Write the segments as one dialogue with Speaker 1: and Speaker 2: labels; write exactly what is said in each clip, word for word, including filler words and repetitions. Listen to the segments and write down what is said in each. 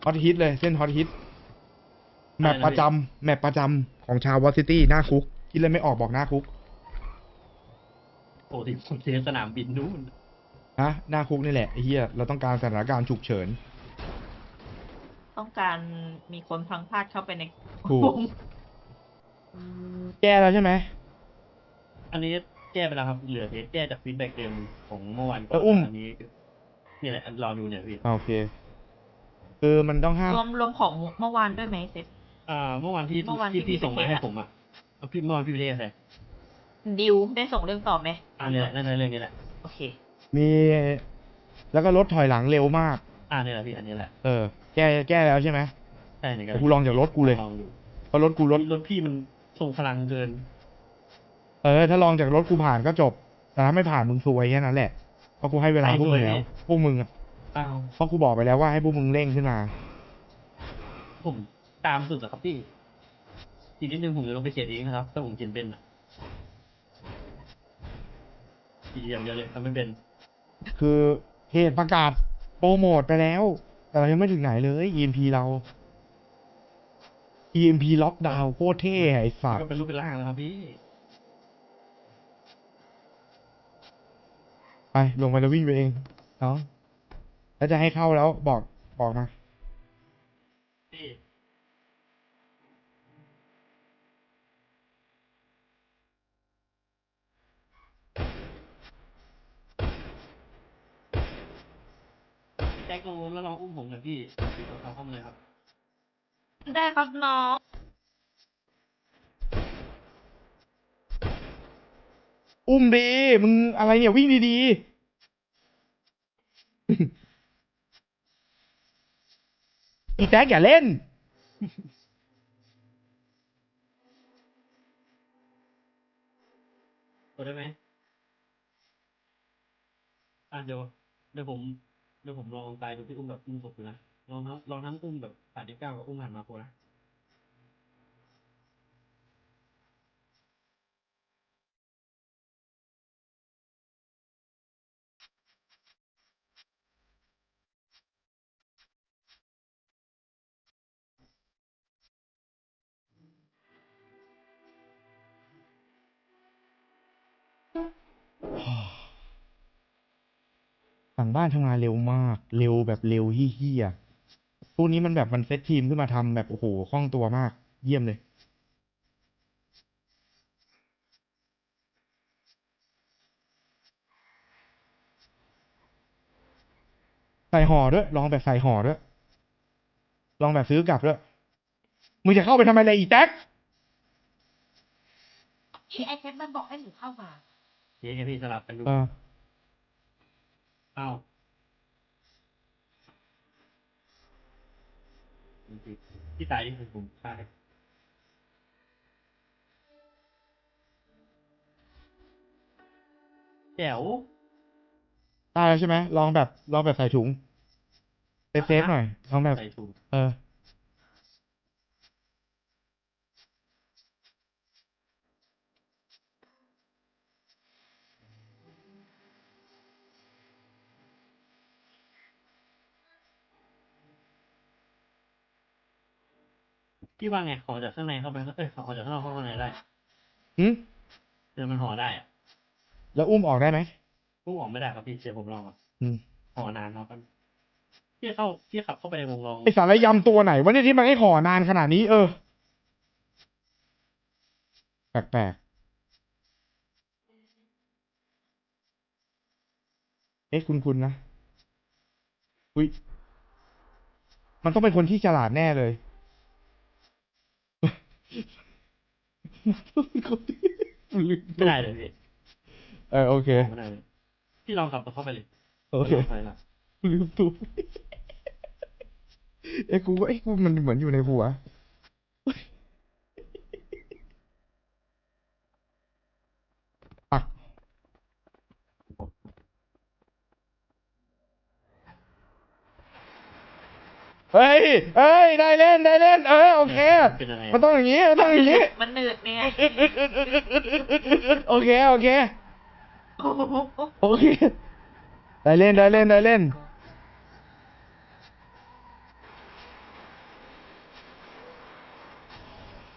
Speaker 1: ฮอตฮิตเลยเส้นฮอตฮิตแมปประจำแมปประจำของชาววอซิตี้หน้าคุกคิดเลยไม่ออกบอกหน้าคุก
Speaker 2: โอ้ที่ผมเสียสนามบินนู่น
Speaker 1: ฮะหน้าคุกนี่แหละไอ้เหี้ยเราต้องการสถานการณ์ฉุกเฉิน
Speaker 3: ต้องการมีคนพลังพลาดเข้าไปใน
Speaker 1: ถูก
Speaker 3: วง
Speaker 1: แก้แล้วใช่ไหม
Speaker 2: อันนี้แก้ไปแล้วครับเหลือแก้จากฟีดแบ็กเดิมของเมื่อวานก่
Speaker 1: เอ
Speaker 2: อ
Speaker 1: อน อุ้ม
Speaker 2: อันนี้นี่แหละรอดูเนี่ยพี่
Speaker 1: โอเคคือมันต้องห้าม
Speaker 3: รวมรวมของเมื่อวานด้วยไหมเซฟ
Speaker 2: อ่าเมื่อวานที่
Speaker 3: เมื่อวานที่
Speaker 2: ที่พี่
Speaker 3: พี่
Speaker 2: ส่งมา
Speaker 3: ไปเทส
Speaker 2: ให้
Speaker 3: อะ
Speaker 2: ผมอ่ะเอาพี่เมื่อวานพี่ไปเทสอะไร
Speaker 3: ดิวได้ส่งเรื่องต่อไหม
Speaker 2: อันนี้แหละนั่นเรื่องนี้แหละ
Speaker 3: โอเค
Speaker 1: มีแล้วก็รถถอยหลังเร็วมาก
Speaker 2: อ่านี่แหละพี่อันนี้แหละ
Speaker 1: เออ แก้แก้แล้วใช่ไหม
Speaker 2: ใช่เนี่ย
Speaker 1: แต่กูลองจากรถกูเลย
Speaker 2: ลองดู
Speaker 1: เพราะรถกูรถ
Speaker 2: รถพี่มันทรงพลังเกิน
Speaker 1: เออถ้าลองจากรถกูผ่านก็จบ แต่ถ้าไม่ผ่านมึงซวยแค่นั้นแหละเพราะกูให้เวลาพวกมึงแล้วพวกมึงอะ
Speaker 2: อ้าว
Speaker 1: เพราะกูบอกไปแล้วว่าให้พวกมึงเร่งขึ้นมา
Speaker 2: ผมตามสุดอะครับพี่อีกนิดนึงผมจะลงไปเขียนเองนะครับถ้าผมเขียนเป็นอ่ะอีกอย่างเดียวเลยทำไม่เป็น
Speaker 1: คือเหตุประกาศโปรโมทไปแล้ว แต่เรายังไม่ถึงไหนเลย อี เอ็ม พี เรา อี เอ็ม พี ล็อกดาวน์โคตรเท่ไอ้สัต
Speaker 2: ก็
Speaker 1: ว์
Speaker 2: เป็นรูปเป็นร่างแล้วครับพี่
Speaker 1: ไปลงไปแล้ววิ่งไปเองเนาะแล้วจะให้เข้าแล้วบอกบอกมา
Speaker 2: พี่แจ็คลงรถแล้วลองอุ้มผมหน่อยพี่พี่ตัวเขาเข้ามาเลยครับ
Speaker 3: ได้ครับน้อง
Speaker 1: อุ้มดีมึงอะไรเนี่ยวิ่งดีๆ อีแท็กอย่าเล่น
Speaker 2: กดได้ไหมอ่ะเดี๋ยวเดี๋ยวผมเดี๋ยวผมลองตายดูพี่อุ้มแบบอุ้มศพดูนะลองทั้งลองทั้งอุ้มแบบแปดสิบเก้ากับอุ้มหันมาโคนะ
Speaker 1: สั่งบ้านทำงานเร็วมาก เร็วแบบเร็วเฮี้ยๆพวกนี้มันแบบมันเซตทีมขึ้นมาทำแบบโอ้โหคล่องตัวมาก เยี่ยมเลย ใส่ห่อด้วย ลองแบบใส่ห่อด้วย ลองแบบซื้อกลับด้วย มึงจะเข้าไปทำไมเลยอีแท็ก
Speaker 3: เฮ้ยไอเซฟมันบอกให้หนูเข้ามา
Speaker 2: เย้พี่สลับกันดู
Speaker 1: เออ
Speaker 2: อ้าวพี่ตายนี่คือผมตายแจ๋ว
Speaker 1: ได้แล้วใช่ไหมลองแบบลองแบบใส่ถุงเซฟเซฟหน่อยลองแบบ
Speaker 2: ใส่ถุง
Speaker 1: เออ
Speaker 2: พี่ว่าไงห่อจากข้างในเข้าไปเอ้ยห่อจากข้างนอกเข้าข้างในได้
Speaker 1: หืม
Speaker 2: เดี๋ยวมันห่อได้อะ
Speaker 1: แล้วอุ้มออกได้ไหม
Speaker 2: พุ่งออกไม่ได้ครับพี่เดี๋ยวผมลองอ่ะ
Speaker 1: อืม
Speaker 2: ห่อนานเนาะครับพี่เข้าพี่ขับเข้าไปในวงลอง
Speaker 1: ไอสารยำตัวไหนวะเนี่ยที่มันให้ห่อนานขนาดนี้ เออ แปลกๆ เอ๊ะคุณคุณนะ อุ้ย มันต้องเป็นคนที่ฉลาดแน่เลย
Speaker 2: ไม่ได้เลยพี่
Speaker 1: เออโอเค
Speaker 2: ไม่ได้เลยพี่ลองขับเข้าไปเลย
Speaker 1: โอเค
Speaker 2: ลงไปละ
Speaker 1: ลืมตัวเอ้กูก็เอ้กูมันเหมือนอยู่ในหัวปักเฮ้ยเฮ้ย ได้เล่น ได้เล่น เออ โอเค
Speaker 2: เป็นอะไร
Speaker 1: มันต้องอย่างนี้ มันต้องอย่างนี้
Speaker 3: มันหนืดเนี่ย
Speaker 1: โอเค โอเค
Speaker 3: โอ้โห
Speaker 1: โอเค ได้เล่น ได้เล่น ได้เล่น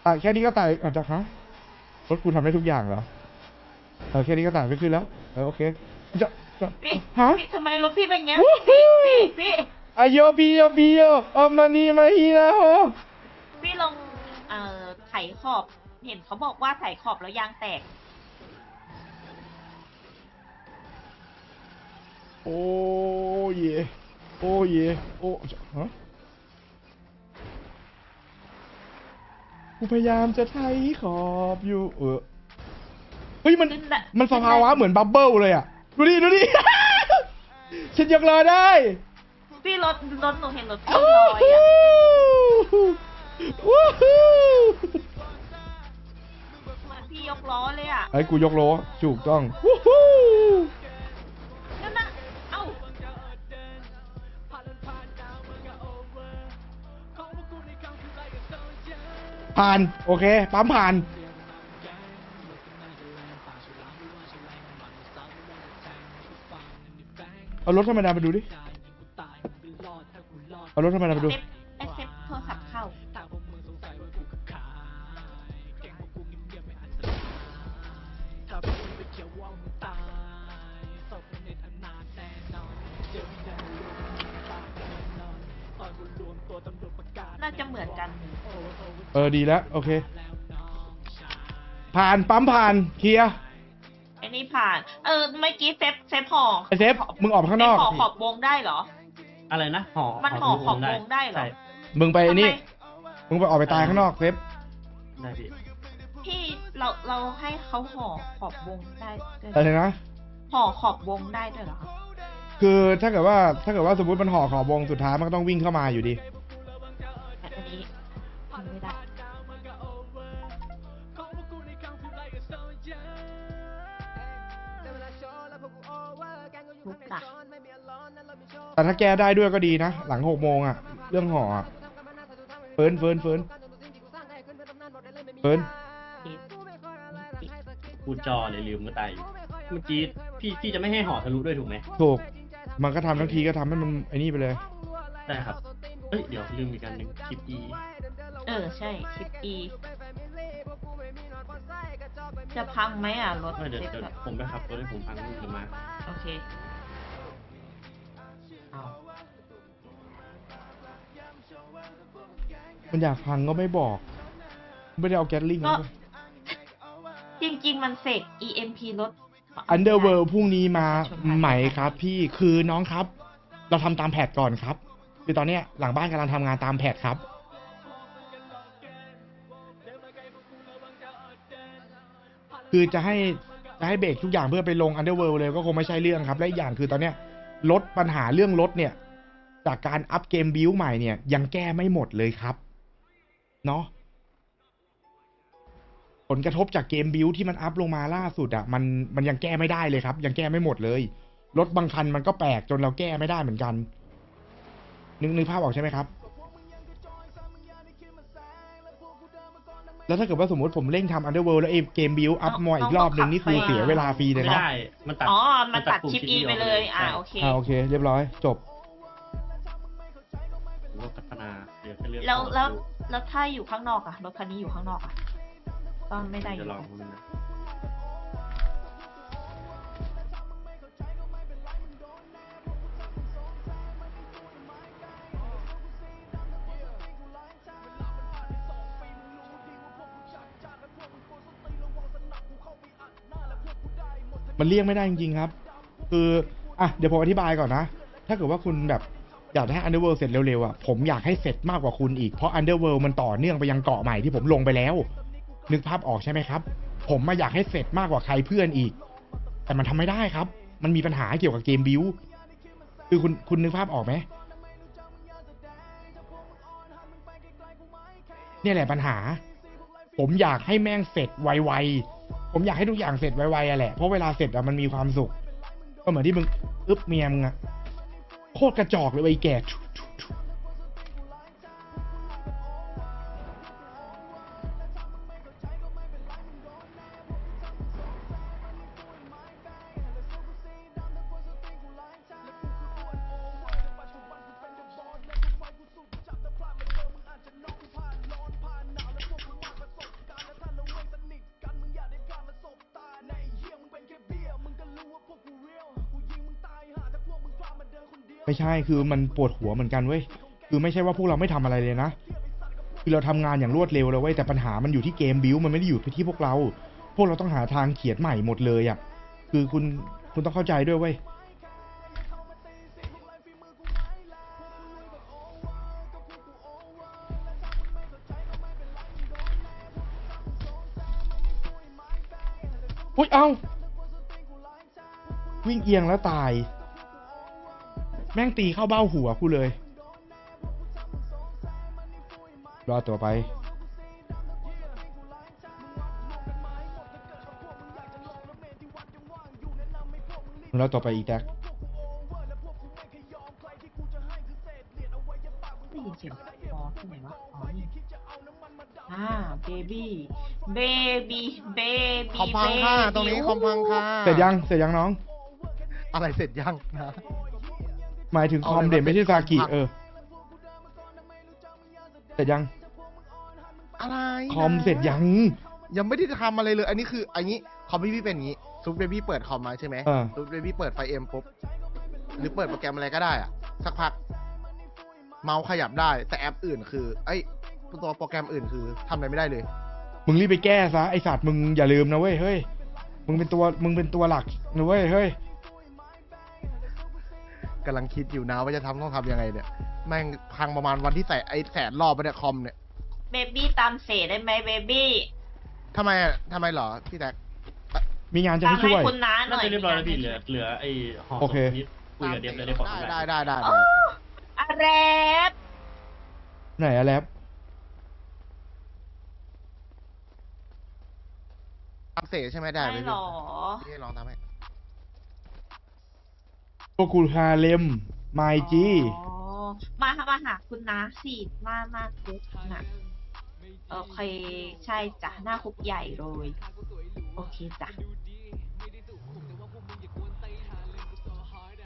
Speaker 1: อ่ะแค่นี้ก็ตายอาจจะฮะรถกูทำได้ทุกอย่างเหรอเออแค่นี้ก็ตายไม่ขึ้นแล้วเออโอเคจะจะ
Speaker 3: พี่
Speaker 1: ฮะ
Speaker 3: พี่ทำไมรถพี่เป็นอย่างเงี้ย
Speaker 1: วู้ฮู้
Speaker 3: พี่พี่
Speaker 1: อาโยบิโยบิโยออมานีมาฮีนาโฮ
Speaker 3: พี่ลองเอ่อไถขอบ เห็นเขาบอกว่าไถขอบแล้วยางแตก
Speaker 1: โอ้เยโอ้เยโอ้ฮะกูพยายามจะไถขอบอยู่เออเฮ้ยมัน
Speaker 3: ขึ้นละ
Speaker 1: มันสภาวะเหมือนบับเบิ้ลเลยอ่ะดูดิดูดิ ฉันยกล้อได้
Speaker 3: พี่รถรถหนูเห็นรถพี่ลอยอ่ะ
Speaker 1: วู้ฮู้
Speaker 3: เหมือนพี่ยกล้อเลยอ่ะ
Speaker 1: ไอ้ยกูยกล้อถูกต้องวู้ฮู้
Speaker 3: นั่นน่ะเอ้า
Speaker 1: ผ่านโอเคปั๊มผ่านเอารถธรรมดาไปดูดิเอารถธรรมดาไปดู
Speaker 3: เซฟไอเซฟโทรศัพท์เข้า น่าจะเหมือนกัน
Speaker 1: เออดีแล้วโอเค ผ่านปั๊มผ่านเคลียร์
Speaker 3: ไอ้นี่ผ่าน เออเมื่อกี้เซฟเซฟห่อ
Speaker 1: ไอเซฟมึงออกไปข้างนอก
Speaker 3: เซฟห่อขอบวงได้เหรอ
Speaker 2: อะไรนะห่อ
Speaker 3: มันห่อขอบวงได้เหรอ
Speaker 2: ใช่
Speaker 1: มึงไปไอ้นี่
Speaker 3: ทำไม
Speaker 1: มึงไปออกไปตายข้างนอกเซฟ
Speaker 2: ได้พี่
Speaker 3: พี่เราเราให้เขาห่อขอบวงได้ด้วยเหร
Speaker 1: อะไร
Speaker 3: อ
Speaker 1: นะ
Speaker 3: ห่อขอบวงได้ด้วยเหรอ
Speaker 1: คือถ้าเกิดว่าถ้าเกิดว่าสมมติมันห่อขอบวงสุดท้ายมันก็ต้องวิ่งเข้ามาอยู่ดี
Speaker 3: แต่อันนี้ทำไม่ได้ทุกตะ
Speaker 1: แต่ถ้าแก้ได้ด้วยก็ดีนะ หลังหกโมงอะเรื่องห่ออะเฟิร์นเฟิร์นเฟิร์นเฟิร์น
Speaker 2: กูจอเลยลืมเมื่อตายอยู่เมื่อกี้พี่พี่จะไม่ให้ห่อทะลุด้วยถูกไหม
Speaker 1: ถูก มันก็ทำทั้งทีก็ทำให้มันไอ้นี่ไปเลย
Speaker 2: ได้ครับเอ้ยเดี๋ยวลืมอีกอันหนึ่งคลิปอี
Speaker 3: เออใช่คลิปอีจะพังไหมอ่ะรถ
Speaker 2: เออเดี๋ยว
Speaker 3: เซฟ
Speaker 2: เดี๋ยว
Speaker 3: แบบ
Speaker 2: ผมไปขับรถให้ผมพังหรือมา
Speaker 3: โอเคเอา
Speaker 1: มันอยากพังก็ไม่บอก ไม่ได้เอาแก๊สลิง
Speaker 3: ก็
Speaker 1: มา
Speaker 3: จริง ๆ มันเสก อี เอ็ม พี รถ
Speaker 1: อันเดอร์เวิลด์พรุ่งนี้มาไหมครับ พี่คือน้องครับ เราทำตามแผนก่อนครับ คือตอนเนี้ยหลังบ้านกำลังทำงานตามแผนครับ คือจะให้จะให้เบรกทุกอย่างเพื่อไปลงอันเดอร์เวิลด์เลยก็คงไม่ใช่เรื่องครับ และอีกอย่างคือตอนเนี้ยลดปัญหาเรื่องรถเนี่ย จากการอัพเกมบิวใหม่เนี่ยยังแก้ไม่หมดเลยครับเนาะผลกระทบจากเกมบิวที่มันอัพลงมาล่าสุดอ่ะมันมันยังแก้ไม่ได้เลยครับ ยังแก้ไม่หมดเลยรถบางคันมันก็แปลกจนเราแก้ไม่ได้เหมือนกัน นึกนึกภาพออกใช่ไหมครับ แล้วถ้าเกิดว่าสมมติผมเร่งทำอันเดอร์เวิลด์แล้วเอเกมบิวอัพมออีกรอบหนึ่งนี่คือเสียเวลาฟรีเลย
Speaker 2: ไม่
Speaker 1: ครับ
Speaker 2: ได้มันตัด
Speaker 3: อ๋อ มันตัด
Speaker 2: ปุ่
Speaker 3: คลิป
Speaker 2: Chip
Speaker 3: อี
Speaker 2: E
Speaker 3: ไปเลย อ่า
Speaker 2: ใช่
Speaker 3: โอเค
Speaker 1: อ่าโอเค เรียบร้อย จบ
Speaker 2: ผมก็พัฒนาเดี๋ยวจะเลือก
Speaker 3: แล้ว
Speaker 2: ต่อ
Speaker 3: แล้ว
Speaker 2: ดู
Speaker 3: แล้วถ้าอยู่ข้างนอกอะรถคันนี้อยู่ข้างนอกอะก็ไม่ได้อ
Speaker 2: จะ
Speaker 3: ยู่
Speaker 2: ลองดูนะ
Speaker 1: มันเลี่ยงไม่ได้จริงๆครับ คืออ่ะเดี๋ยวผมอธิบายก่อนนะ ถ้าเกิดว่าคุณแบบอยากให้ Underworld เสร็จเร็วๆอ่ะผมอยากให้เสร็จมากกว่าคุณอีกเพราะ Underworld มันต่อเนื่องไปยังเกาะใหม่ที่ผมลงไปแล้ว นึกภาพออกใช่ไหมครับ ผมมาอยากให้เสร็จมากกว่าใครเพื่อนอีก แต่มันทำไม่ได้ครับ มันมีปัญหาเกี่ยวกับเกมบิวคือคุณคุณนึกภาพออกไหมเนี่ยแหละปัญหา ผมอยากให้แม่งเสร็จไวๆผมอยากให้ทุกอย่างเสร็จไวๆอะแหละเพราะเวลาเสร็จอะมันมีความสุขก็เหมือนที่มึงอึ๊บเมียมึงอะโคตรกระจอกเลยไอ้แก่ไม่ใช่คือมันปวดหัวเหมือนกันเว้ยคือไม่ใช่ว่าพวกเราไม่ทำอะไรเลยนะคือเราทำงานอย่างรวดเร็วเลยเว้ยแต่ปัญหามันอยู่ที่เกมบิวมันไม่ได้อยู่ที่พวกเรา พวกเราต้องหาทางเขียนใหม่หมดเลยอ่ะคือคุณคุณต้องเข้าใจด้วยเว้ยอุ้ยเอาวิ่งเอียงแล้วตาย แม่งตีเข้าเบ้าหัวกูเลย รอตัวไปรอต่อไปอีกแท็ก
Speaker 3: ได้ยินเสียงคอที่ไหนวะอ๋อนี่อ่าเบบี้เบบี้เบ
Speaker 4: คอ
Speaker 3: บี้
Speaker 4: มพังค่ะตรงนี้คอมพังค่ะ
Speaker 1: เสร็จยังเสร็จยังน้อง
Speaker 4: อะไรเสร็จยังนะ
Speaker 1: หมายถึงคอม
Speaker 4: เอาเลย
Speaker 1: เด่นไม่ใช่ซากิ
Speaker 4: คอมพัง
Speaker 1: เออ เสร็จยัง
Speaker 4: อะไรนะ
Speaker 1: คอมเสร็จยัง
Speaker 4: ยังไม่ได้ทำอะไรเลย อันนี้คืออันนี้คอมพี่พี่เป็นอย่างนี้ซุปเบบี้เปิดคอมมาใช่ไหม
Speaker 1: เออ
Speaker 4: ซุปเบบี้เปิดไฟเอ็มปุ๊บหรือเปิดโปรแกรมอะไรก็ได้อะสักพัก เมาส์ขยับได้ แต่แอปอื่นคือไอ้ยตัวโปรแกรมอื่นคือทำอะไรไม่ได้เลย
Speaker 1: มึงรีบไปแก้ซะไอสัตว์มึงอย่าลืมนะเว้ยเฮ้ย มึงเป็นตัวมึงเป็นตัวหลักนะเว้ยเฮ้ย
Speaker 4: กำลังคิดอยู่นะว่าจะทำต้องทำยังไงเนี่ย แม่งพังประมาณวันที่ใส่ไอ้แสนรอบไปเนี่ยคอมเนี่ย
Speaker 3: เบบี้ตามเสได้ไหมเบบี้
Speaker 4: ทำไมอะทำไมเหรอพี่แท็ก
Speaker 1: มีงานจะ
Speaker 3: ตาม
Speaker 1: ให้
Speaker 3: ให้
Speaker 1: ช่วย
Speaker 3: คุณน้าห
Speaker 2: น่า
Speaker 3: น่อย
Speaker 2: จะเรียบร้อยแล้วพี่
Speaker 3: มี
Speaker 2: เหลื
Speaker 3: งา
Speaker 2: อน เหลือไอ้ห่อ
Speaker 1: โอ
Speaker 2: ศ
Speaker 1: เค
Speaker 2: พนี้คุยกับเดียบเลยได้ขอ
Speaker 4: ได้
Speaker 2: ทุกอย่าง
Speaker 4: ได้ได้ได้
Speaker 3: โอ้อะไร
Speaker 1: ไหนอะแลบ
Speaker 4: ทำเสร็จใช่ไหมได้
Speaker 3: ไม่
Speaker 4: ไหม
Speaker 3: หรอ
Speaker 4: พี่ลองทำให้
Speaker 1: พวกกูฮาเลมไมจี
Speaker 3: อ๋อมามาหาคุณน้าสิมามาคุกน่ะโอเค ใช่จ้ะหน้าคุกใหญ่เลย โอเคจ้ะ